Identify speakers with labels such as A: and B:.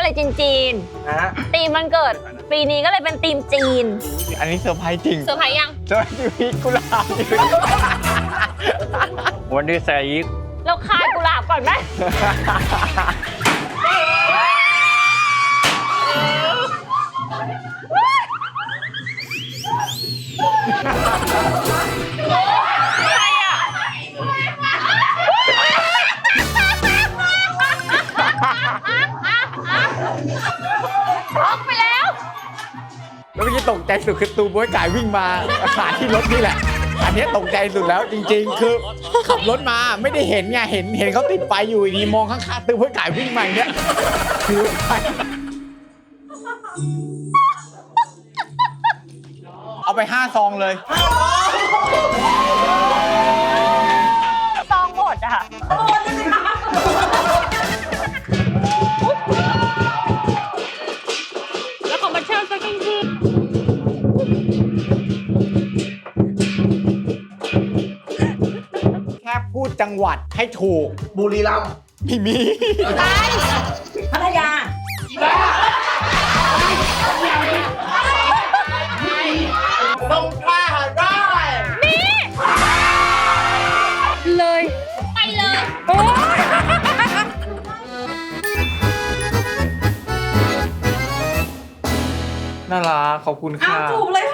A: อะไรจีน
B: นะ
A: ๆธีมมันเกิดปีนี้ก็เลยเป็นธีมจีน
C: อันนี้เซอร์ไพรส์จริง
A: เซอร์ไพรส์ยัง
C: เซอร์ไพรส์ชีวิตกุหลาบวันนี้ใส่อีก
A: เราคายกุหลาบก่อนไหมใครอ่ะช็อกไปแล้ว
C: แล้วเมื่อกี้ตกใจสุดคือตูบวยไก่วิ่งมาผ่านที่รถนี่แหละ อันนี้ตกใจสุดแล้วจริงๆ คือขับรถมาไม่ได้เห็นไงเห็นเขาติดไฟอยู่ดีมองข้างๆตูบวยไก่วิ่งมาอย่างเงี้ยคือไปเอาไป5 ซองเลย
A: ซองหมดอ่ะแล้วของมันเชิญสักที
C: แค่พูดจังหวัดให้ถูก
B: บุรีรัมย์
C: ไม่มี
D: พัทยา
B: สงขลาได้
A: เลย ไปเลยโอ้ย
C: น่ารักขอบคุณค่ะ
D: เอาจูบเลย